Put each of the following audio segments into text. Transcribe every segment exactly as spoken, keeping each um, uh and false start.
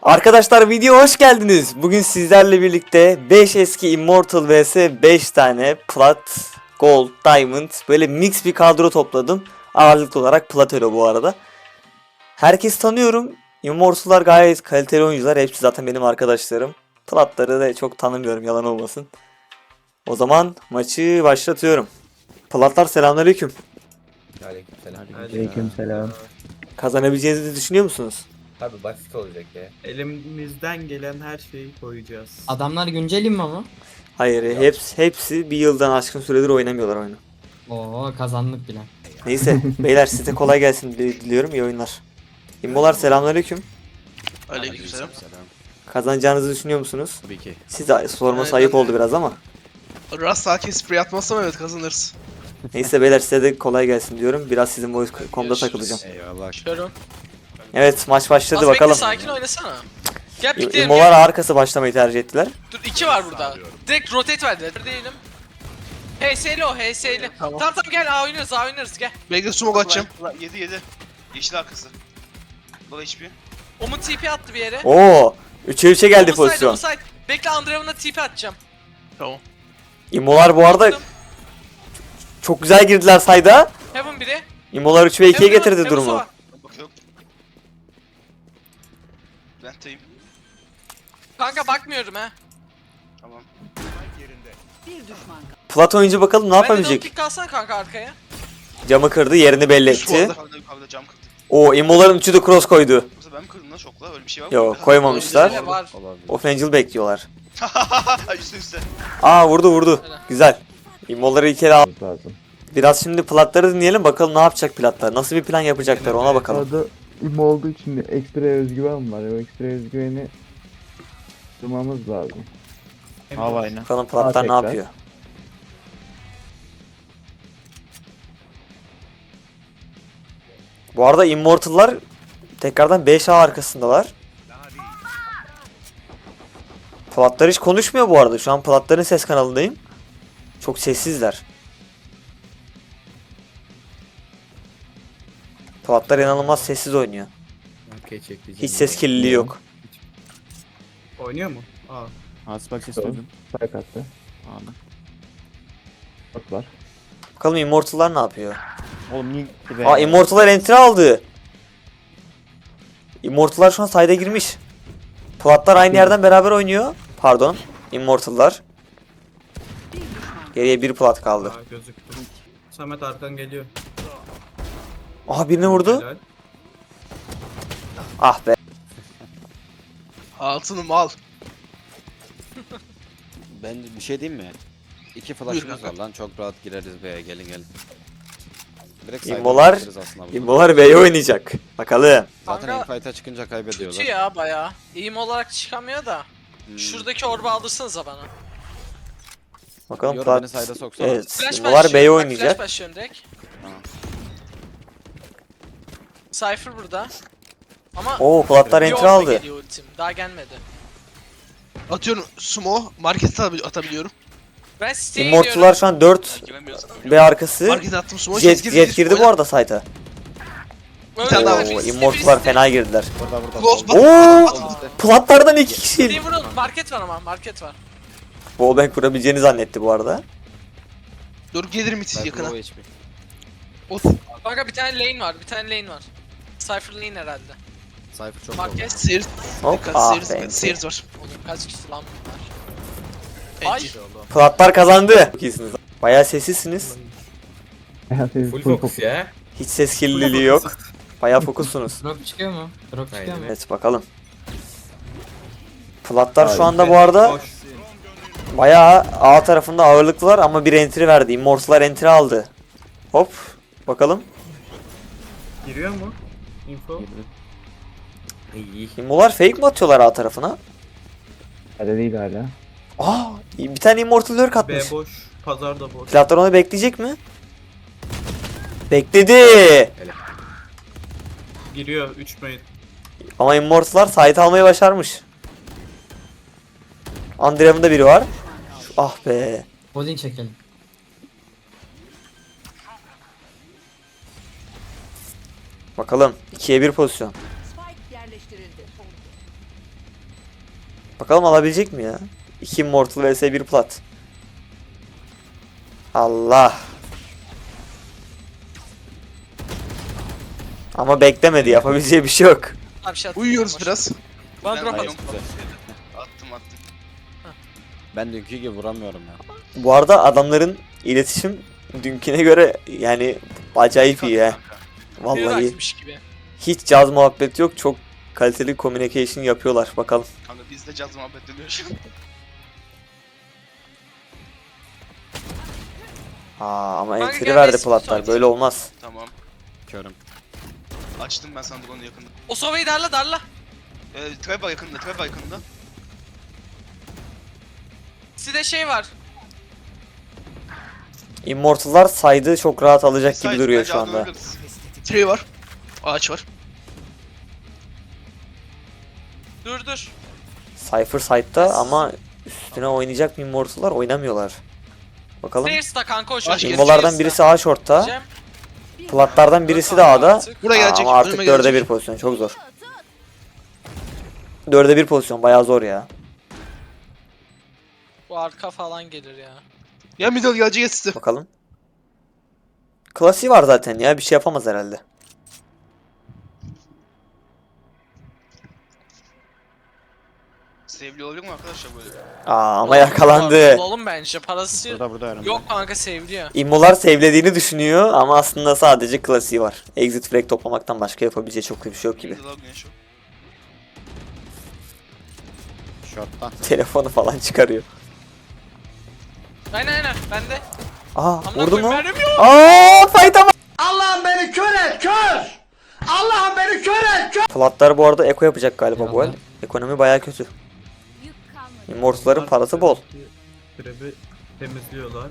Arkadaşlar videoya hoş geldiniz. Bugün sizlerle birlikte beş eski Immortal vs beş tane Plat, Gold, Diamond böyle mix bir kadro topladım. Ağırlıklı olarak Platero bu arada. Herkes tanıyorum. Immortal'lar gayet kaliteli oyuncular. Hepsi zaten benim arkadaşlarım. Platları da çok tanımıyorum, yalan olmasın. O zaman maçı başlatıyorum. Platlar selamünaleyküm. Aleykümselam. Aleykümselam. Kazanabileceğinizi düşünüyor musunuz? Tabii basit olacak ya. Elimizden gelen her şeyi koyacağız. Adamlar güncelim mi ama? Hayır, hepsi, hepsi bir yıldan aşkın süredir oynamıyorlar oyunu. Oo kazandık bile. Neyse beyler, size kolay gelsin diliyorum, iyi oyunlar. İmmolar selamünaleyküm. Aleykümselam. Kazanacağınızı düşünüyor musunuz? Tabii ki. Size sorması Aynen. ayıp oldu biraz ama. Rast sakin sprey atmazsam evet kazanırız. Neyse beyler, size de kolay gelsin diyorum. Biraz sizin voice com'da Görüşürüz. takılacağım. Eyvallah. Şöyle. Evet, maç başladı Az bakalım. bekle, sakin oynasana. Gel pikleyelim. İmmolar arkası başlamayı tercih ettiler. Dur iki var burada. Direkt rotate verdiler. Değilim. H S'li o H S'li. Tamam. tamam tamam gel A oynuyoruz A oynuyoruz gel. Bekle smoke atacağım. yedi yedi. Yeşil arkası. Dola H P. Omun T P attı bir yere. Oo, üçe üçe geldi Omun side, pozisyon. Omun side. Bekle Andreev'ına T P atacağım. Tamam. İmmolar bu arada Attım. çok güzel girdiler sayda. Heaven biri. İmmolar üç ve ikiye Heaven, getirdi Heaven durumu. sova. Bakıyorum. Vent'teyim. Kanka bakmıyorum ha. Tamam. Plat oyuncu bakalım ne Ben de double yapabilecek. pick kalsana kanka arkaya. Camı kırdı, yerini belli Üst etti. Yukarıda yukarıda cam kırdı. O İmmoların üçü de cross koydu. Yoksa ben mi kırdım lan şokla? Öyle bir şey var mı? Yok, koymamışlar. Öyle var. Offangel bekliyorlar. Ay üstte üstte. Aa, vurdu vurdu. Güzel. İmmoları ilk kere al. Lazım. Biraz şimdi platları dinleyelim bakalım ne yapacak platlar. Nasıl bir plan yapacaklar ona bakalım. Arada im olduğu için de ekstra özgüven var. O ekstra özgüveni durmamız lazım. Havayla. Bakalım platlar ne tekrar. yapıyor. Bu arada Immortal'lar tekrardan beş A arkasındalar. Platlar hiç konuşmuyor bu arada. Şu an platların ses kanalındayım. Çok sessizler. Platlar inanılmaz sessiz oynuyor. Hiç ses kirliliği yok. Oynuyor mu? Aa. Asbak istedim. Spike attı. Anladım. Bak var. Bakalım Immortal'lar ne yapıyor. Oğlum niye gitti be? Aa, Immortal'lar entry aldı. Immortal'lar şu an side'a girmiş. Platlar aynı yerden beraber oynuyor. Pardon. Immortal'lar. Geriye bir plat kaldı. Aa gözüktü. Samet arkan geliyor. Aha, birini vurdu. Helal. Ah be. Altınım al. Ben bir şey diyeyim mi? İki Buyur flash'ımız kanka. var lan, çok rahat gireriz B'ye, gelin gelin. Direkt İmmolar- side'e gireriz aslında burada. Immortal B'ye oynayacak. Bakalım. Zaten Kanka, infight'a çıkınca kaybediyorlar. Kötü ya baya. İyim olarak çıkamıyor da. Hmm. Şuradaki orba aldırsanıza bana. Bakalım Yor plat. beni side'a soksana. Evet. Flash Immortal B'ye başlıyorum. Bak, oynayacak. Flash başlıyorum direkt. Tamam. Cypher burada. Ama Oo, platlar bir entry orba aldı. geliyor ultim. Daha gelmedi. Atıyorum smoke. Markete atabi- atabiliyorum. Ben siteye Immortal'lar gidiyorum. şu an dört Giremiyorsun. B arkası. Markete attım smoke. Jet, Jet girdi bu arada site'a. Öyle tane daha bir- var. Oo, birisi- Immortal'lar birisi- fena girdiler. Burada burada. Close solda. bak. Oo! Platlardan iki kişi. Gideyim vurun. Market var ama market var. Wallbang kurabileceğini zannetti bu arada. Dur gelirim it Cypher yakına. low H P. Ot. Kanka bir tane lane var. Bir tane lane var. Cypher lane herhalde. Cypher çok low. Market. Sears. Hop. Dikkat Ah Sears. be. Sears var. Oğlum kaç kişi lan bunlar? Ay. Ay. Platlar kazandı. Çok iyisiniz. Bayağı sessizsiniz. Full focus ya. Hiç ses kirliliği yok. Bayağı fokussunuz. Drop çıkıyor mu? Drop çıkıyor mu? Evet, bakalım. Platlar şu anda bu arada Boş. bayağı A tarafında ağırlıklılar ama bir entry verdi. Immortal'lar entry aldı. Hop. Bakalım. Giriyor mu? Info. Immolar fake mi atıyorlar A tarafına? Hadi değil hala. Aa, bir tane Immortal lurk B atmış. boş. Pazar da boş. Platlar onu bekleyecek mi? Bekledi. Giriyor üç main. Ama Immortal'lar site almayı başarmış. Andreev'in da biri var. Şu- ah be. Bowling çekelim. Bakalım. ikiye bir pozisyon. Spike yerleştirildi. Bakalım alabilecek mi ya? iki Immortal vs bir plat. Allah. Ama beklemedi, yapabileceği bir şey yok. Abi bir şey attım. Uyuyoruz Boş. biraz. Bana Ben drop de at. yok. Attım attım. Ben dünkü gibi vuramıyorum ya. Bu arada adamların iletişim dünküne göre yani acayip iyi ya. Vallahi Vallahi. gibi. hiç caz muhabbeti yok. Çok kaliteli communication yapıyorlar. Bakalım. Kanka bizde caz muhabbet dönüyor şu an. Aa, ama Kanka entry gel, verdi resim platlar. müsait. Böyle olmaz. Tamam. Körüm. Açtım ben sana drone'u yakında. O Sova'yı darla darla. Ee, trap var yakında, trap var yakında. Sizde şey var. Immortal'lar saydı çok rahat alacak gibi Sait, duruyor bence şu adını anda. alırız. Tree var. Ağaç var. Dur dur. Cypher side'da ama üstüne oynayacak mı Immortal'lar? Oynamıyorlar. Bakalım. Stairs'ta kanka o Aç çocuk. gel. Immolardan birisi A short'ta. Cem, Platlardan birisi de A'da. Buraya Aa, gelecek. ama artık önüme dörde gelecek. bir pozisyon. Çok zor. Dörde bir pozisyon. Bayağı zor ya. Bu arka falan gelir ya. Ya middle gelecek size. Bakalım. Klasiği var zaten ya. Bir şey yapamaz herhalde. Sevgili olabilir mi arkadaşlar böyle? Aa, ama yakalandı. Oğlum bence parası Burada burada önümde. yok kanka seviliyor. Immolar sevlediğini düşünüyor ama aslında sadece klasiği var. Exit frag toplamaktan başka yapabileceği çok bir şey yok gibi. Middle güneş o. Short'tan. Telefonu falan çıkarıyor. Aynen aynen bende. Aa, Amına vurdu koyayım, mu? mermim yok. Aa, fight ama. Allah'ım beni kör et kör! Allah'ım beni kör et kör! Platlar bu arada eko yapacak galiba bu el. Eyvallah. Ekonomi bayağı kötü. Immortal'ların parası bol. Trap'i temizliyorlar.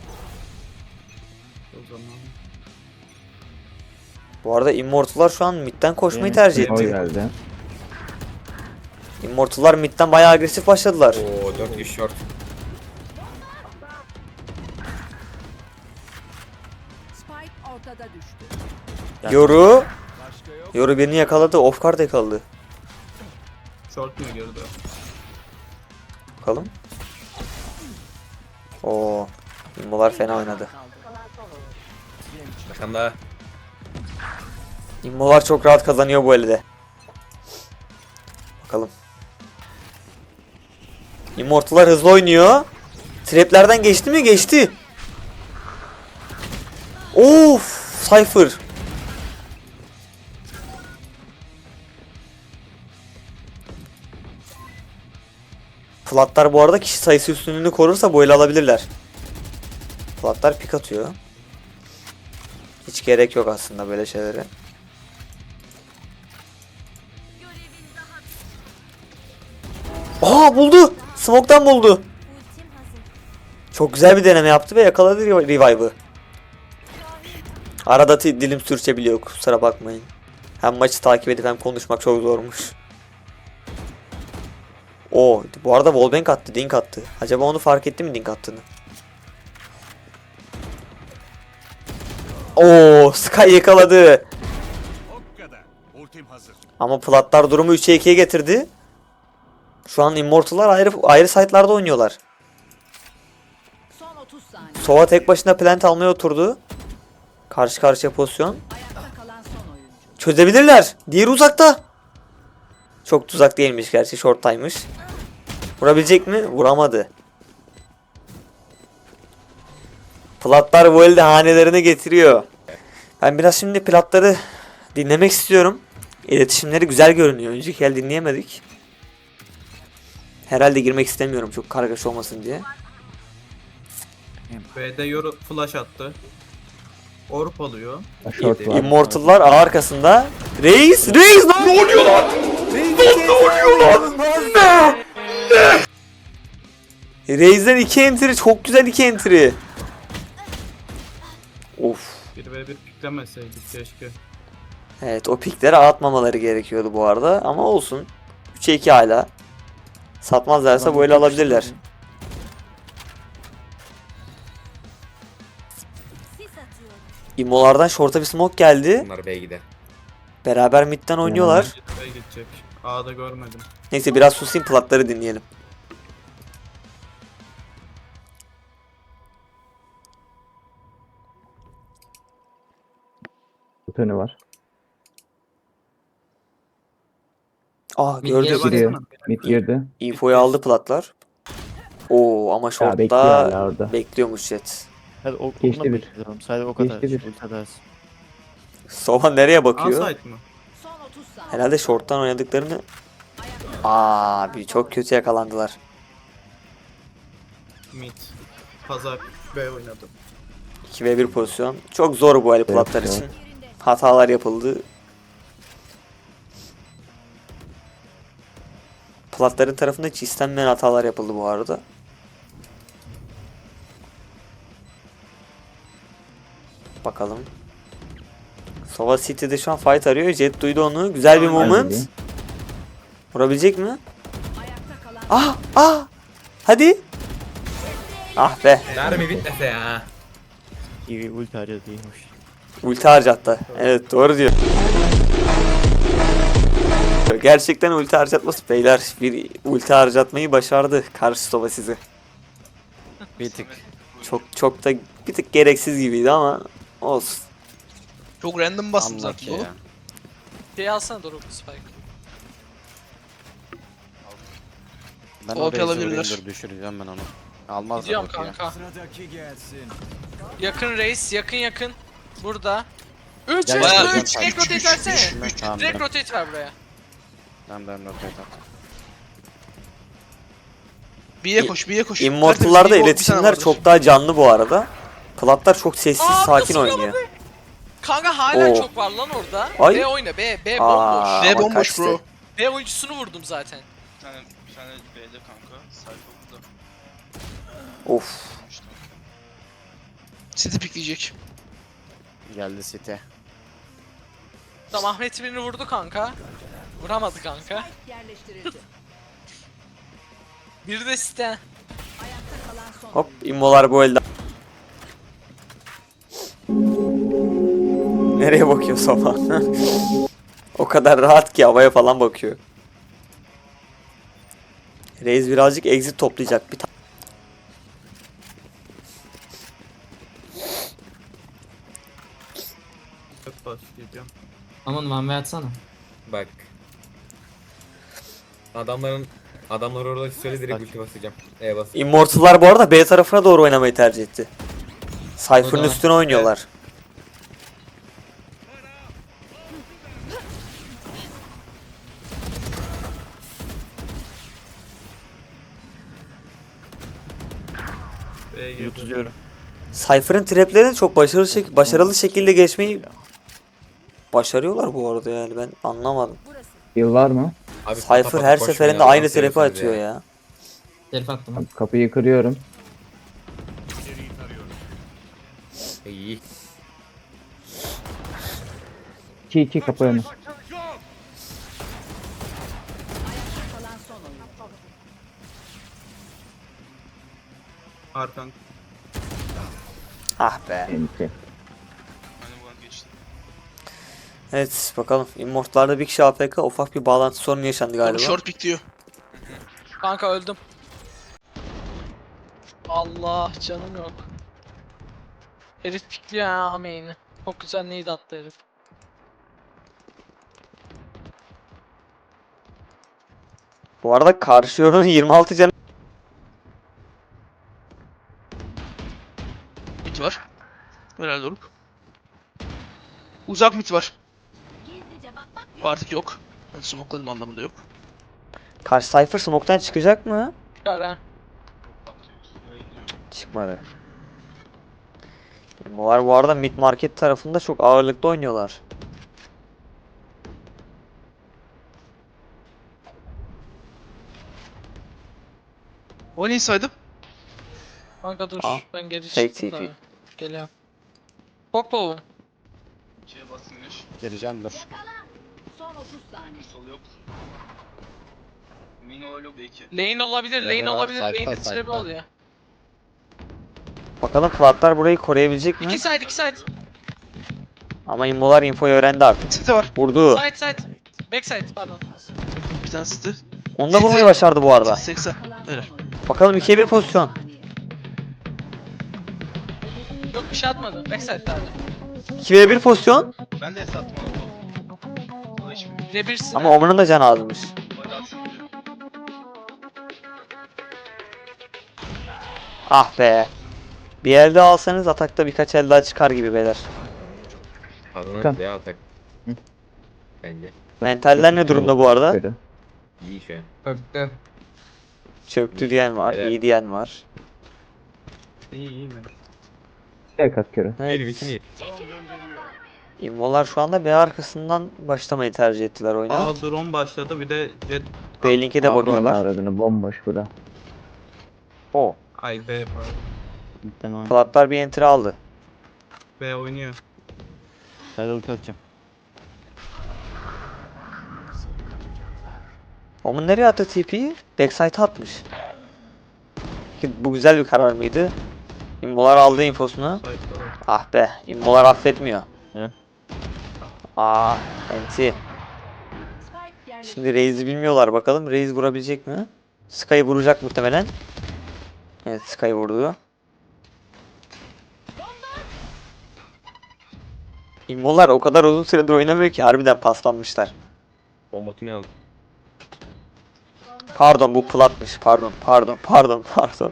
O zaman. Bu arada Immortal'lar şu an midden koşmayı Benim tercih o etti. geldi. Immortal'lar midden bayağı agresif başladılar. Oo dört kişi short. Spike ortada düştü. Yoru. Yoru birini yakaladı. Off guard yakaladı. Short mu girdi? Bakalım. Oo. Immolar fena oynadı. Arkanda. Immolar çok rahat kazanıyor bu elde. Bakalım. Immortal'lar hızlı oynuyor. Traplerden geçti mi? Geçti. Of, Cypher. Platlar bu arada kişi sayısı üstünlüğünü korursa bu ele alabilirler. Platlar pik atıyor. Hiç gerek yok aslında böyle şeylere. Aa, buldu. Smoke'tan buldu. Çok güzel bir deneme yaptı ve yakaladı rev- revive'ı. Arada ti- dilim sürçebiliyor, kusura bakmayın. Hem maçı takip edip hem konuşmak çok zormuş. Oo, bu arada wallbang attı, dink attı. Acaba onu fark etti mi dink attığını? Oo, Sky yakaladı. Ama platlar durumu üçe ikiye getirdi. Şu an Immortal'lar ayrı ayrı site'larda oynuyorlar. Son otuz saniye. Sova tek başına plant almaya oturdu. Karşı karşıya pozisyon. Ayakta kalan son oyuncu. Çözebilirler. Diğeri uzakta. Çok uzak değilmiş gerçi, short'taymış. Vurabilecek mi? Vuramadı. Platlar bu elde hanelerine getiriyor. Ben biraz şimdi platları dinlemek istiyorum. İletişimleri güzel görünüyor. Önceki el dinleyemedik. Herhalde girmek istemiyorum çok kargaşa olmasın diye. B'de Yoru flash attı. Orp alıyor. Short var. Immortal'lar ağ arkasında. Reis! Reis! Ne oluyor lan? Ne oluyor lan? Ne? Reis'den iki entry. Çok güzel iki entry. Of. bir ve bir piklemeseydik keşke. Evet, o pikleri atmamaları gerekiyordu bu arada ama olsun. üçe iki hala. Satmazlarsa böyle alabilirler. Immolardan short'a bir smoke geldi. Bunlar B'ye gider. Beraber midden oynuyorlar. B'ye gidecek. A'da görmedim. Neyse biraz susayım, platları dinleyelim. Butonu var. Aa Bir gördük. geri Giriyor. baksana. Mid girdi. Infoyu aldı platlar. Oo ama Ya bekliyor short'ta hala orada. bekliyormuş Jet. Hadi o Geçti okuna bir. bakıyorum. Sadece o kadar. Geçti bir. Ulti atarsın. Sova nereye A bakıyor? site mı? Son otuz saniye. Herhalde short'tan oynadıklarını... Abi çok kötü yakalandılar. Mid. Pazar B oynadım. iki ve bir pozisyon. Çok zor bu el platlar Evet, için. Yerinde. Hatalar yapıldı. Platların tarafında hiç istenmeyen hatalar yapıldı bu arada. Bakalım. Sova City'de şu an fight arıyor. Jet duydu onu. Güzel bir Aynen. moment. Hadi. Vurabilecek mi? Ayakta kalan Ah ah. Hadi. Ah be. Mermi bitmese ya. İyi ulti harcadı iyiymiş. Ulti harcattı. Evet doğru diyor. Gerçekten ulti harcatması beyler. Bir ulti harcatmayı başardı karşı Sova sizi. Bir tık. Çok çok da bir tık gereksiz gibiydi ama olsun. Çok random bastım Anlak zaten ya. oğlum. Şey alsana Doruk Spike. Ben O P oraya alabilirler. Zori'ndir düşüreceğim ben onu. Almazlar Gidiyorum bak ya. kanka. Yakın reis, yakın yakın. Burada. üç Gel, üç gel, gel, üç. gel. Direkt rotate versene. Tamam, Direkt ben- rotate ver buraya. Ben ben rotate at. B'ye koş, B'ye koş. Immortal'larda Tertemiz bir iletişimler tane vardır. çok daha canlı bu arada. Platlar çok sessiz, Aa, sakin nasıl oynuyor. Kanka hala Oo. çok var lan orada. Ay. B oyna B, B Aa, bomboş. B ama bomboş kaçtı. bro. B oyuncusunu vurdum zaten. Bir tane, bir tane B'de kanka. Sayfa burada. Of. City pikleyecek. Geldi City. Tamam Ahmet birini vurdu kanka. Vuramadı kanka. yerleştirildi. Bir de site. Ayakta kalan son Hop immolar bu elde. Nereye bakıyor Sova? O kadar rahat ki havaya falan bakıyor. Reis birazcık exit toplayacak bir tane. Çok başlayacağım. Aman one way atsana. Bak. Adamların adamlar orada söyle direkt ulti basacağım. E bas. Immortal'lar bu arada B tarafına doğru oynamayı tercih etti. O Cypher'ın da- üstüne oynuyorlar. B'ye girdi. Yutucuyorum. Cypher'ın traplerini çok başarılı şek başarılı şekilde geçmeyi başarıyorlar bu arada yani ben anlamadım. burası. Yıl var mı? Abi Cypher kapat, her koşmayın seferinde ya, aynı nasıl trap'i yapıyorsunuz atıyor ya. Herif attım. Tamam, kapıyı kırıyorum. İyi. iki iki kapı önü. Ayakta kalan son oyun. Arkan. Ah be. Enti. Hani buradan geçti. Evet bakalım. Immortal'larda bir kişi A F K ufak bir bağlantı sorunu yaşandı Oğlum galiba. short pikliyor. Kanka öldüm. Allah canım yok. Herif pikliyor ha main'i. Çok güzel neydi attı herif. Bu arada karşı yorunun yirmi altı canı. Mid var. Herhalde Doruk. Uzak mid var. Artık yok. Ben smokladım anlamında yok. Karşı Cypher smoke'tan çıkacak mı? Çıkar ha. Çıkmadı. Bunlar bu arada mid market tarafında çok ağırlıklı oynuyorlar. O neyi saydım? Kanka dur Aa, ben geri fake çıktım T P. da. Geliyorum. Popo. Şeye bastın güneş. Geleceğim dur. Son otuz saniye. Sol yok. Mino yok belki. Lane olabilir, Lane lane var, olabilir. sayfa, Lane sayfa. trebi oluyor. Bakalım platlar burayı koruyabilecek mi? İki side, iki side. Ama immolar infoyu öğrendi artık. City var. Vurdu. Side, side. Back side pardon. Bir tane City. Onu da vurmayı başardı bu arada. seksen. Öyle. Bakalım ikiye bir pozisyon. Yok bir şey atmadı. Backside'lerdi. ikiye bir pozisyon. Ben de sattım onu. Dola hiçbir Rebirsin. Ama Omen'ın da canı azmış. Ah be. Bir elde alsanız atakta birkaç el daha çıkar gibi beyler. Kan. Adana veya atak. Bence. Mentaller ne durumda bu arada? Böyle. İyi şu an. Öptü. Çöktü diyen var, Evet. iyi diyen var. İyi iyi mi? Tek kat kere. Benim için iyi. İmmolar şu anda B arkasından başlamayı tercih ettiler oyuna. Aa drone başladı bir de jet. B link'e de bakıyorlar. Aradığını bomboş bura. O. Ay B pardon. Platlar bir entry aldı. B oynuyor. Omen nereye attı T P'yi? Backside'a atmış. Ki bu güzel bir karar mıydı? İmmolar aldı infosunu. Site'da var. Ah be, İmmolar affetmiyor. Ne? Aa, enti. Spike yerleştirildi. Şimdi Raze'i bilmiyorlar bakalım. Raze vurabilecek mi? Sky'ı vuracak muhtemelen. Evet, Sky vurdu. İmmolar o kadar uzun süredir oynamıyor ki harbiden paslanmışlar. Bombotunu aldı. Pardon bu platmış. Pardon, pardon, pardon, pardon.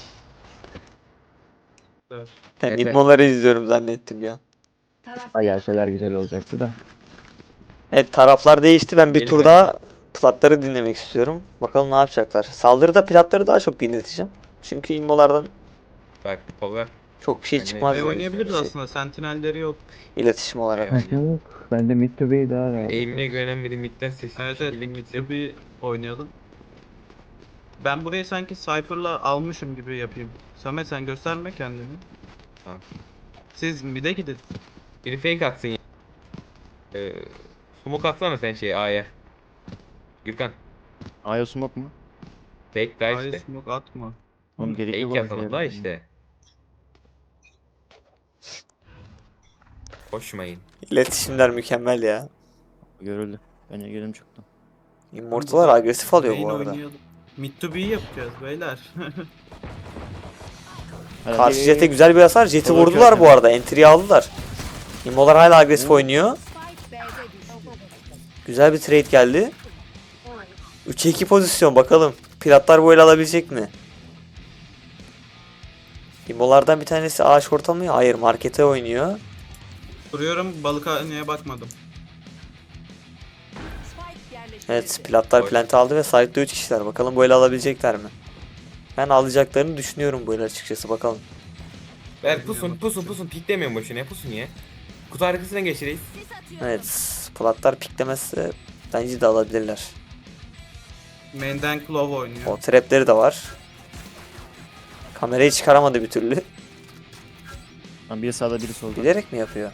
Evet. Ben Evet. İmmoları izliyorum zannettim ya. Taraf Ay gelseler güzel olacaktı da. Evet, taraflar değişti. Ben bir Gelin tur ben. daha platları dinlemek istiyorum. Bakalım ne yapacaklar. Saldırıda platları daha çok dinleteceğim. Çünkü immolardan Bak power. çok bir şey Ben de- çıkmaz. B Şey- oynayabiliriz aslında. Sentinelleri yok. İletişim olarak. Evet. Yok. Ben de mid to B'yi daha rahat. Eğimine güvenen biri midden sesi. Evet bir evet. şekilde gitsin. Bir oynayalım. Ben burayı sanki Cypher'la almışım gibi yapayım. Samet sen gösterme kendini. Tamam. Siz mid'e gidin. Biri fake atsın ya. Ee, smoke atsana sen şeye A'ya. Gürkan. Aya smoke mu? Fake daha Hayır işte. smoke atma. Oğlum gerek yok. Fake öyle atalım şeye. da işte. Koşmayın. İletişimler mükemmel ya. Görüldü. Ben gelelim çoktan. Immortal'lar agresif alıyor bu Main arada. oynayalım. Mid to B'yi yapacağız beyler. Karşı Jet'e güzel bir hasar. Jet'i Olur, vurdular kötü. bu arada. Entry'yi aldılar. İmmolar hala agresif oynuyor. Spike B'de düştü. Güzel bir trade geldi. üçe iki pozisyon bakalım. Piratlar bu el alabilecek mi? İmmolardan bir tanesi A short mı? Hayır, markete oynuyor. Duruyorum balıkhaneye bakmadım. Spike yerleştirildi. Evet, platlar Oy. plant aldı ve side'da üç kişiler. Bakalım bu el alabilecekler mi? Ben alacaklarını düşünüyorum bu el açıkçası, bakalım. Ver pusun pusun pusun piklemiyorum boşuna pusun ya. Kutu arkasına geçireyiz. Evet, platlar piklemezse bence de alabilirler. Main'den Claw oynuyor. O trapleri de var. Kamerayı çıkaramadı bir türlü. Lan biri sağda biri solda. Bilerek mi yapıyor?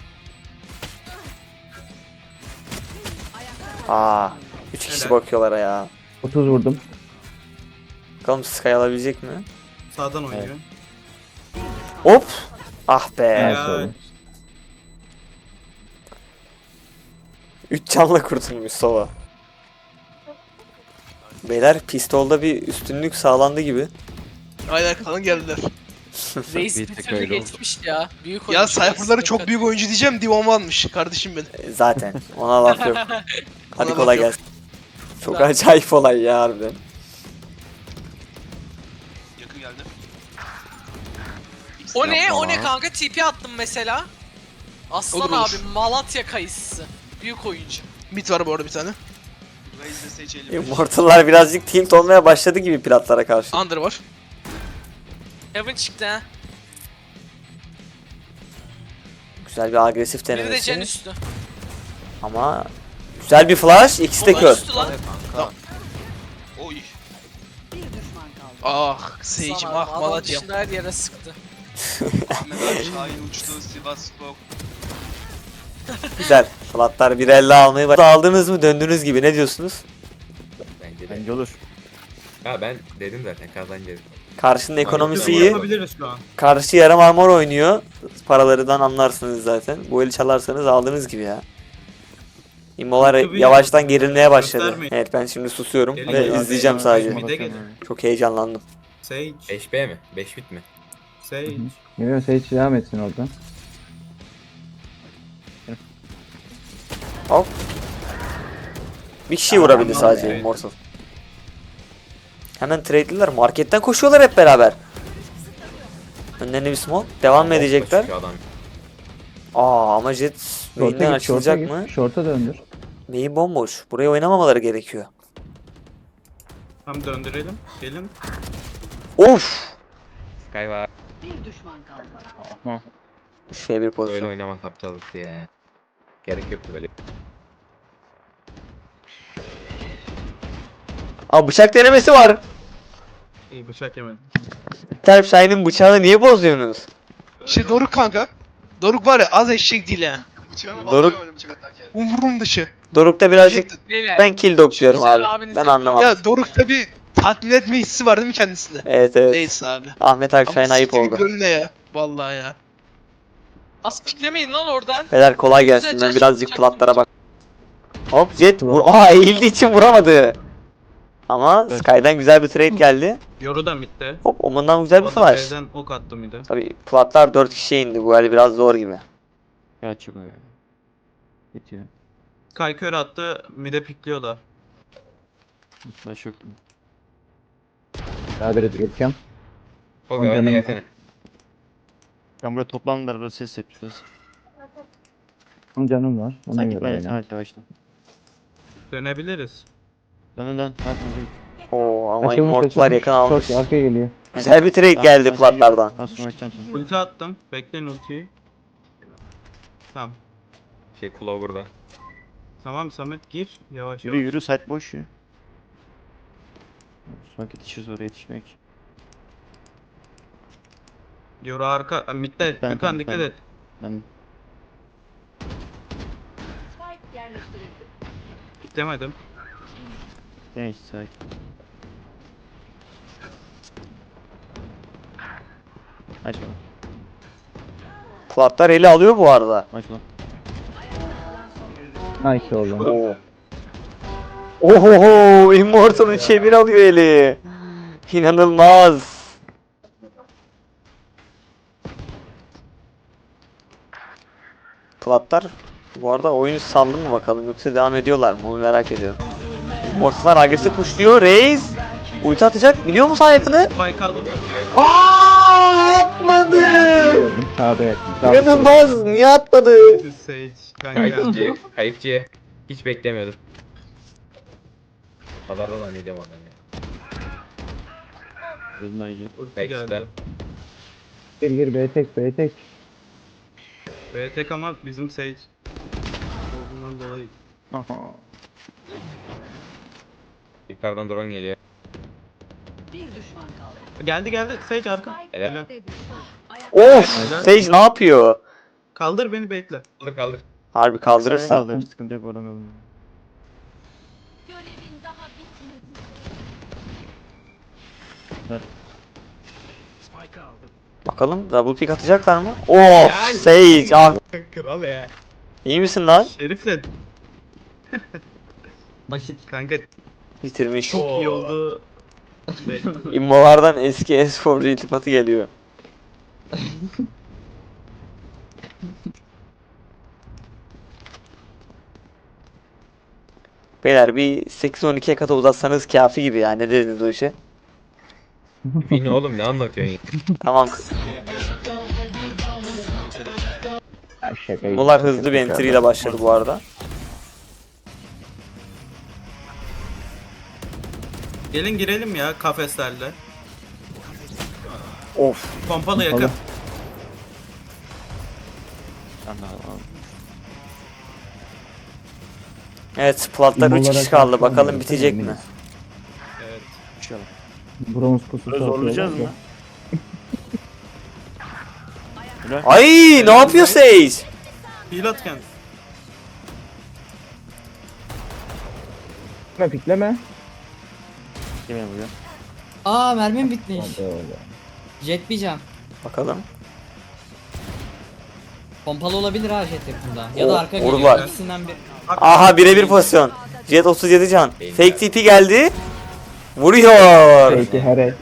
Aa, üç kişi Helal. bakıyorlar ya. otuz vurdum. Bakalım Sky alabilecek mi? Sağdan oynuyor. Hop! Ah be. Evet, Ya. sorry. üç canla kurtulmuş Sova. Beyler pistolda bir üstünlük sağlandı gibi. Aynen kalın geldiler. Reis Bir bir tek türlü öyle oldu. geçmiş ya. Büyük Ya oyuncu. Cypher'ları çok büyük oyuncu diyeceğim. Divan almış kardeşim benim. E, Zaten ona laf yok. Hadi Ona kolay laf yok. gelsin. Çok acayip olay ya harbiden. yakın geldi. O ne? Yapma O ne lan. kanka? T P attım mesela. Aslan Olur, olur. abi Malatya kayısısı. Büyük oyuncu. Mid var bu arada bir tane. Raze'de seçelim. Immortal'lar birazcık tilt olmaya başladı gibi platlara karşı. Under var. Heaven çıktı ha. Güzel bir agresif Biri de Jen denemesi. üstü. Ama güzel bir flash. İkisi de Ulan kör. üstü lan. Oy. Bir düşman kaldı. Ah Sage'im Sana ah adam Malatya'm. dışında her yere sıktı. Ahmet abi Şahin uçtu. Sivas Spor. Güzel. Platlar bir elle almayı başladı. Aldınız mı döndünüz gibi, ne diyorsunuz? Bence de. Bence olur. Ha ben dedim zaten kazanacağız. Karşının ekonomisi Mid to B iyi. Yapabiliriz şu an. Karşı yarım armor oynuyor. Paralarından anlarsınız zaten. Bu eli çalarsanız aldığınız gibi ya. İmmolar Tabii. yavaştan gerilmeye başladı. Göstermeyin. Evet ben şimdi susuyorum Gelin ve ya, izleyeceğim gelin. sadece. Mide gelin. Çok heyecanlandım. Sage. beş B mi? beş bit mi? Sage. Geliyor Sage devam etsin oradan. Hop. Bir kişi vurabildi Tamam, sadece evet. Immortal. Hemen trade'liler. Marketten koşuyorlar hep beraber. Önlerine bir smoke. Devam mı edecekler? Çıkıyor adam. Aa ama Jet main'den Short'a git, short'a açılacak git. mı? Short'a döndür. Main bomboş. Buraya oynamamaları gerekiyor. Tam döndürelim. Gelin. Of! Sky var. Bir düşman kaldı. Şey bir Böyle pozisyon. oynamak yapacağız ya. Gerek yoktu böyle. Aa bıçak denemesi var. İyi bıçak yemedim. Terp Shine'ın bıçağını niye bozuyorsunuz? Şey Doruk kanka. Doruk var ya az eşek değil ha. Bıçağını Doruk- basıyor öyle bıçak atarken. Umurum dışı. Doruk'ta birazcık Beyler. ben kill dog diyorum Güzel abi. abiniz Ben yapıyor. anlamam. Ya Doruk'ta bir tatmin etme hissi var değil mi kendisinde? Evet evet. Neyse abi. Ahmet Akşay'ın Ama ayıp siktir oldu. gönlüne ya. Vallahi ya. Az piklemeyin lan oradan. Beyler kolay gelsin. Güzel, Ben birazcık çok- platlara bak. Hop Jet vur. Aa eğildiği için vuramadı. Ama Sky'dan güzel bir trade geldi. Yoru da midde. Hop Oman'dan güzel bir O da flash. B'den ok attı mid'e. Tabii platlar dört kişiye indi. Bu el biraz zor gibi. Kaç bu ya. Bitiyor. Kay kör attı. Mid'e pikliyorlar. Flash yok. Daha beri geçeceğim. O bir oyna gelsene. Ben burada toplandılar burada ses yapıyoruz. Onun canım var. Ona Sanki göre ben oyna. evet yavaşla. Dönebiliriz. Dön dön. Hadi hadi. Oo ama Açılmış, Immortal'lar açılmış. yakın almış. Short arkaya geliyor. Güzel bir trade geldi platlardan. Aslında açacağım şimdi. Ulti attım. Bekleyin ultiyi. Tamam. Şey Clover'da. Tamam Samet gir. Yavaş Yürü yavaş. yürü site boş ya. Sonra yetişiriz oraya yetişmek. Yoru arka. Aa, midde. Ben- Gökhan ben- dikkat ben- et. Ben Spike yerleştirildi. Demedim. neyse sakin. Aç bana. Platlar eli alıyor bu arada. Aç lan. Nice oğlum. Oo. Ohoho Immortal'ın çevir alıyor eli. İnanılmaz. Platlar bu arada oyunu saldı mı bakalım yoksa devam ediyorlar mı onu merak ediyorum. Immortal'lar agresif kuşluyor. Reis ulti atacak biliyor musun hayatını? Spike aldım. Aaaa atmadı. Sağda yakın. Sağda. İnanılmaz niye atmadı? Sage. Kanka. Kayıpçı. Kayıpçı. Hiç beklemiyordum. Pazarda da ne diyeyim adam ya. Gözünden iyi. Ulti Backstab. geldi. Gir gir B tek B tek. B tek ama bizim Sage. Olduğundan dolayı. Yukarıdan drone geliyor. Bir düşman kaldı. Geldi geldi. Sage arka. Spike Helal. B'de düştü. Of Sage ne yapıyor? Kaldır beni bekle. Kaldır kaldır. Harbi kaldırırsa. Kaldır sıkıntı yok oradan kaldır. Görevin daha bitmedi. Bakalım double pick atacaklar mı? Of Sage ah. Kral ya. İyi misin lan? Şerif'le Basit. kanka Bitirmiş. çok iyi oldu. Ve İmmolardan eski esporcu iltifatı geliyor. Beyler bir sekiz on ikiye kadar uzatsanız kafi gibi ya. Ne dediniz o işe? Bin oğlum ne anlatıyorsun? Tamam. Ya şaka. Bunlar hızlı bir entry ile başladı bu arada. gelin girelim ya kafeslerle. Of. Pompalı yakın. Evet platlar üç kişi kaldı. Bakalım bitecek mi? Evet. Bronz pususu Zorlayacağız atıyorlar mı? da. Ay ne yapıyor Sage? Heal at kendisi. Pikleme pikleme. Yemeğe vuruyor. Aa mermim bitmiş. Hadi öyle. Jet bir can. Bakalım. Pompalı olabilir ha jet yakında. Ya da O- arka vurdular. geliyor. İkisinden bir. Aha birebir pozisyon. Jet otuz yedi can. Fake T P geldi. Vuruyor. Peki her el.